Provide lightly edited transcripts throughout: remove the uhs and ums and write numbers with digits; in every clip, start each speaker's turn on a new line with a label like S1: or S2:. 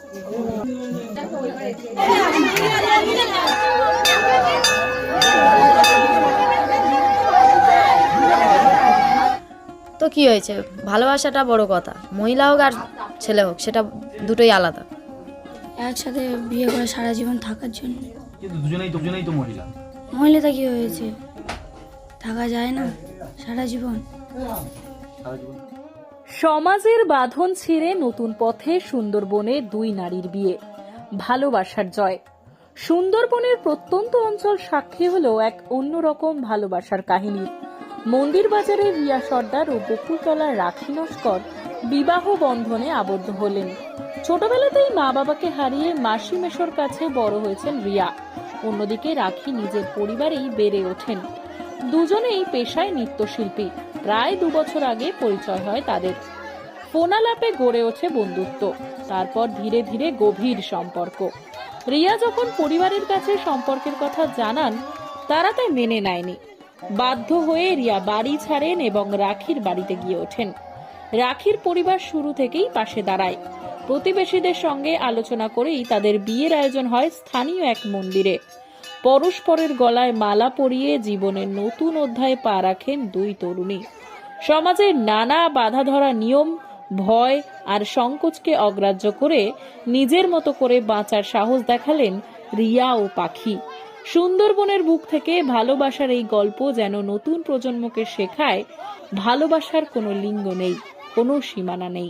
S1: তো কি হয়েছে, ভালোবাসাটা বড় কথা, মহিলা হোক আর ছেলে হোক সেটা দুটোই আলাদা।
S2: একসাথে বিয়ে করে সারা জীবন থাকার জন্য।
S3: কিন্তু দুজনেই তো মহিলা।
S2: মহিলাটা কি হয়েছে, থাকা যায় না সারা জীবন।
S4: সমাজের বাঁধন ছিঁড়ে নতুন পথে সুন্দরবনে দুই নারীর বিয়ে, ভালোবাসার জয়। সুন্দরবনের প্রত্যন্ত অঞ্চল সাক্ষী হলো এক অন্যরকম ভালোবাসার কাহিনীর। মন্দির বাজারের রিয়া সর্দার ও বকুলতলার রাখি নস্কর বিবাহ বন্ধনে আবদ্ধ হলেন। ছোটবেলাতেই মা বাবাকে হারিয়ে মাসি মেশোর কাছে বড় হয়েছেন রিয়া। অন্যদিকে রাখি নিজের পরিবারেই বেড়ে ওঠেন। দুজনেই পেশায় নৃত্যশিল্পী। প্রায় 2 বছর আগে পরিচয় হয় তাদের। ফোনালাপে গড়ে ওঠে বন্ধুত্ব, তারপর ধীরে ধীরে গভীর সম্পর্ক। রিয়া যখন পরিবারের কাছে সম্পর্কের কথা জানান, তারা তাই মেনে নেয়নি। বাধ্য হয়ে রিয়া বাড়ি ছাড়েন এবং রাখির বাড়িতে গিয়ে ওঠেন। রাখির পরিবার শুরু থেকেই পাশে দাঁড়ায়। প্রতিবেশীদের সঙ্গে আলোচনা করেই তাদের বিয়ের আয়োজন হয় স্থানীয় এক মন্দিরে। পরস্পরের গলায় মালা পরিয়ে জীবনের নতুন অধ্যায়ে পা রাখেন দুই তরুণী। সমাজের নানা বাধা ধরা নিয়ম, ভয় আর সংকোচকে অগ্রাহ্য করে নিজের মতো করে বাঁচার সাহস দেখালেন রিয়া ও পাখি। সুন্দরবনের বুক থেকে ভালোবাসার এই গল্প যেন নতুন প্রজন্মকে শেখায় ভালোবাসার কোনো লিঙ্গ নেই, কোনো সীমানা নেই।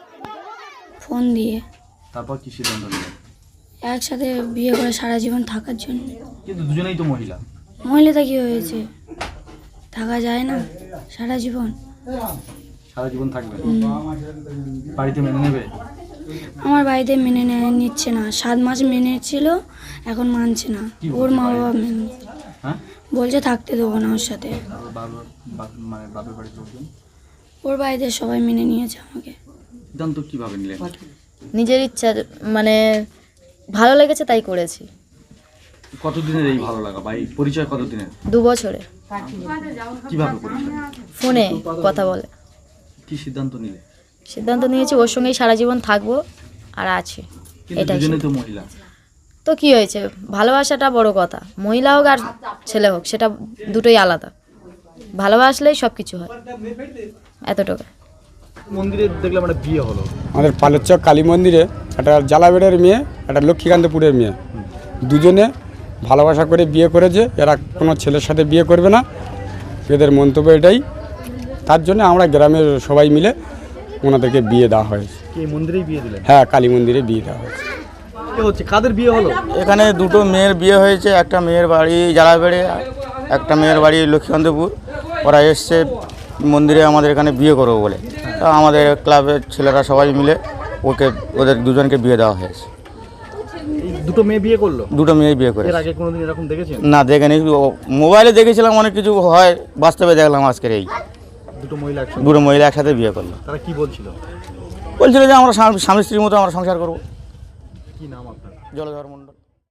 S2: ফোন দিয়ে।
S3: তারপর কি সিদ্ধান্ত নিলেন?
S2: একসাথে বিয়ে করে সারা জীবন থাকার জন্য।
S3: কিন্তু দুজনেই তো মহিলা।
S2: মহিলাটা কি হয়েছে, থাকা যায় না সারা জীবন।
S3: সারা জীবন থাকবে? বাড়িতে মেনে নেবে?
S2: আমার বাড়িতে মেনে নিচ্ছে না। 7 মাস মেনে ছিল, এখন মানছে না। ওর মা বাবা মেনে বলছে থাকতে দেবো না ওর সাথে।
S3: মানে বাপের বাড়িতে বলছেন?
S2: ওর বাড়িতে সবাই মেনে নিয়েছে আমাকে।
S3: সিদ্ধান্ত কিভাবে নিলেন?
S1: নিজের ইচ্ছা, মানে ভালো লেগেছে তাই করেছি।
S3: কতদিনের এই ভালো লাগা বা এই পরিচয় কতদিনের?
S1: 2 বছরে।
S3: কিভাবে পরিচয়?
S1: ফোনে কথা বলে।
S3: কি সিদ্ধান্ত নিলে?
S1: সিদ্ধান্ত নিয়েছি ওর সঙ্গেই সারা জীবন থাকবো আর আছি,
S3: কিন্তু
S1: এটাই।
S3: দুজনেই তো মহিলা।
S1: তো কি হয়েছে, ভালোবাসাটা বড় কথা, মহিলা হোক আর ছেলে হোক সেটা দুটোই আলাদা। ভালোবাসলেই সব কিছু হয়, এতটুকু।
S3: মন্দিরে দেখলাম একটা বিয়ে হলো।
S5: আমাদের পালেরচক কালী মন্দিরে একটা জালাবেড়ের মেয়ে, একটা লক্ষ্মীকান্তপুরের মেয়ে, দুজনে ভালোবাসা করে বিয়ে করেছে। এরা কোনো ছেলের সাথে বিয়ে করবে না, এদের মন্তব্য এটাই। তার জন্য আমরা গ্রামের সবাই মিলে ওনাদেরকে বিয়ে দেওয়া হয়েছে।
S3: কি মন্দিরেই বিয়ে দিলেন?
S5: হ্যাঁ, কালী মন্দিরে বিয়ে দেওয়া হয়েছে।
S3: কি হচ্ছে, কাদের বিয়ে হলো?
S6: এখানে 2টো মেয়ের বিয়ে হয়েছে। একটা মেয়ের বাড়ি জালাবেড়ে, একটা মেয়ের বাড়ি লক্ষ্মীকান্তপুর। ওরা এসছে মন্দিরে আমাদের এখানে বিয়ে করবো বলে। তা আমাদের ক্লাবের ছেলেরা সবাই মিলে ওদের দুজনকে বিয়ে দেওয়া হয়েছে।
S3: এই 2টো মেয়ে বিয়ে করলো?
S6: 2টো মেয়ে বিয়ে করে।
S3: এর আগে কোনোদিন এরকম দেখেছেন?
S6: না, দেখেনি। মোবাইলে দেখেছিলাম অনেক কিছু হয়, বাস্তবে দেখলাম আজকের এই
S3: 2টো মহিলা
S6: একসাথে বিয়ে করলো।
S3: তারা কি বলছিল?
S6: বলছিল যে আমরা স্বামী স্ত্রীর মতো আমরা সংসার করবো।
S3: কি নাম আপনার?
S6: জলধর মণ্ডল।